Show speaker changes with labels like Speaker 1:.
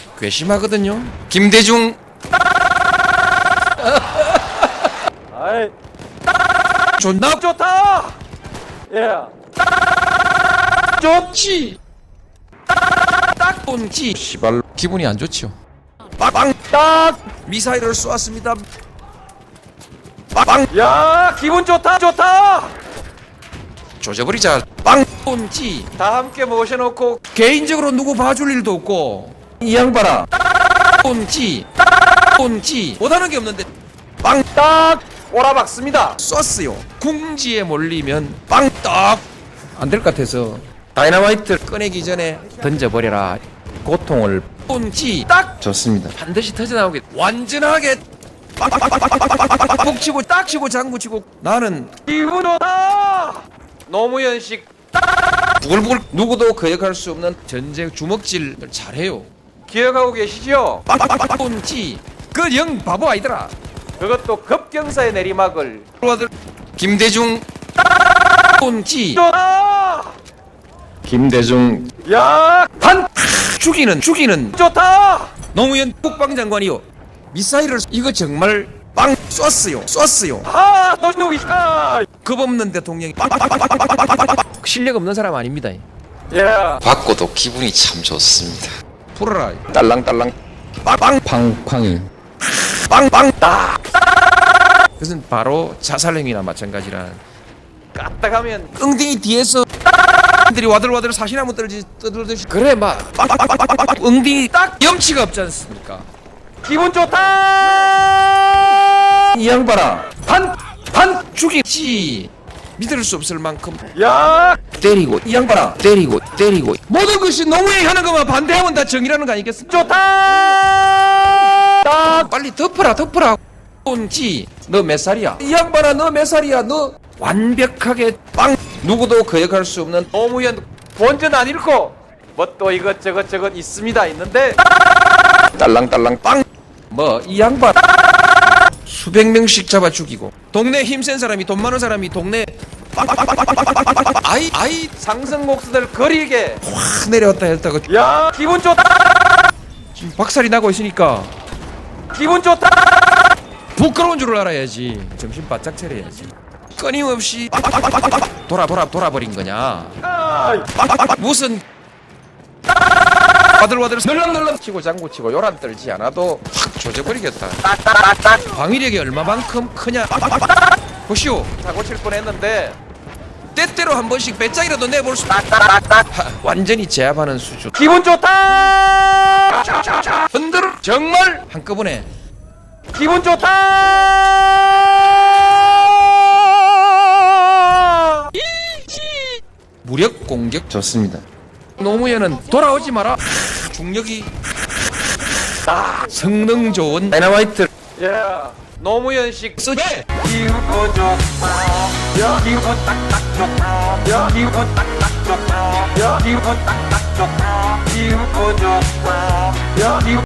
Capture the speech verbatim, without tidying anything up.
Speaker 1: 괘씸하거든요. 김대중.
Speaker 2: 아이
Speaker 1: 존나
Speaker 2: 좋다. 예.
Speaker 1: 좋지. 딱 본지. 시발 기분이 안 좋지요. 빵빵 딱 미사일을 쏘았습니다. 빵빵.
Speaker 2: 야 기분 좋다 좋다.
Speaker 1: 조져버리자. 빵 본지.
Speaker 2: 다 함께 모셔놓고
Speaker 1: 개인적으로 누구 봐줄 일도 없고 이 양반아 본지 본지 못하는 게 없는데 빵
Speaker 2: 딱 꼬라박습니다.
Speaker 1: 쐈어요. 궁지에 몰리면 빵떡 안 될 것 같아서 다이너마이트 꺼내기 전에 던져버려라. 고통을 본지 딱
Speaker 2: 좋습니다.
Speaker 1: 반드시 터져나오게 완전하게 빵 치고 딱 치고 장구 치고 나는
Speaker 2: 기분 좋다. 노무현식
Speaker 1: 부글부글 누구도 거역할 수 없는 전쟁 주먹질 잘해요.
Speaker 2: 기억하고 계시죠?
Speaker 1: 빵빵빵빵 본지 그 영 바보 아니더라.
Speaker 2: 그것도 급경사의 내리막을
Speaker 1: 아들 김대중 본지
Speaker 2: 좋다.
Speaker 3: 김대중
Speaker 2: 야반
Speaker 1: 죽이는 죽이는
Speaker 2: 좋다.
Speaker 1: 노무현 국방장관이요. 미사일을 이거 정말 빵 쐈어요. 쐈어요.
Speaker 2: 아 노무현
Speaker 1: 겁 없는 대통령이 빵빵빵빵빵빵빵빵빵 실력 없는 사람 아닙니다.
Speaker 2: 예.
Speaker 3: 받고도 기분이 참 좋습니다.
Speaker 1: 풀어라.
Speaker 3: 딸랑딸랑
Speaker 1: 빵빵
Speaker 3: 팡팡이
Speaker 1: 빵빵 딱. 그것은 바로 자살행위나 마찬가지라.
Speaker 2: 까딱하면
Speaker 1: 엉덩이 뒤에서 들이 와들와들 사시나무 떨지 떠들듯이 그래 막 빵빵빵빵빵빵 엉덩이 딱 염치가 없지 않습니까?
Speaker 2: 기분 좋다.
Speaker 1: 이 양반아 판판 죽이지 믿을 수 없을 만큼
Speaker 2: 야
Speaker 1: 때리고 이 양반아 때리고 때리고 모든 것이 노무현이 하는 것만 반대하면 다 정의라는 거 아니겠습니까?
Speaker 2: 좋다. 딱
Speaker 1: 빨리 덮어라 덮어라. 본지 너 몇 살이야? 이 양반아 너 몇 살이야? 너 완벽하게 빵 누구도 거역할 수 없는
Speaker 2: 노무현 본전 안 잃고 뭐 또 이것저것 저것 있습니다 있는데
Speaker 3: 딸랑딸랑
Speaker 1: 빵 뭐 이 양반 수백 명씩 잡아 죽이고 동네 힘센 사람이 돈 많은 사람이 동네 빵빵빵빵빵빵빵빵빵빵 아이 아이
Speaker 2: 상승 목수들 거리게
Speaker 1: 확 내려왔다 했다가
Speaker 2: 야 기분 좋다.
Speaker 1: 지금 박살이 나고 있으니까
Speaker 2: 기분 좋다.
Speaker 1: 부끄러운 줄을 알아야지. 정신 바짝 차려야지. 끊임없이 돌아 돌아 돌아버린 거냐?
Speaker 2: 아이,
Speaker 1: 무슨 와들와들 널렁널렁 치고 장구 치고 요란 떨지 않아도 확 조져버리겠다. 방위력이 얼마만큼 크냐? 보시오.
Speaker 2: 사고 칠 뻔했는데
Speaker 1: 때때로 한 번씩 배짱이라도 내볼 수. 하, 완전히 제압하는 수준.
Speaker 2: 기분 좋다.
Speaker 1: 흔들어 정말 한꺼번에.
Speaker 2: 기분 좋다.
Speaker 1: 무력 공격.
Speaker 3: 좋습니다.
Speaker 1: 노무현은 돌아오지 마라. 중력이 성능 좋은 다이너마이트
Speaker 2: 예. 노무현식
Speaker 1: 쓰지.
Speaker 2: 기분 좋다. 야 기분 딱딱 좋다. 야 기분 딱딱 좋다. 야 기분 딱딱 좋다. 기분 좋다. 야 기분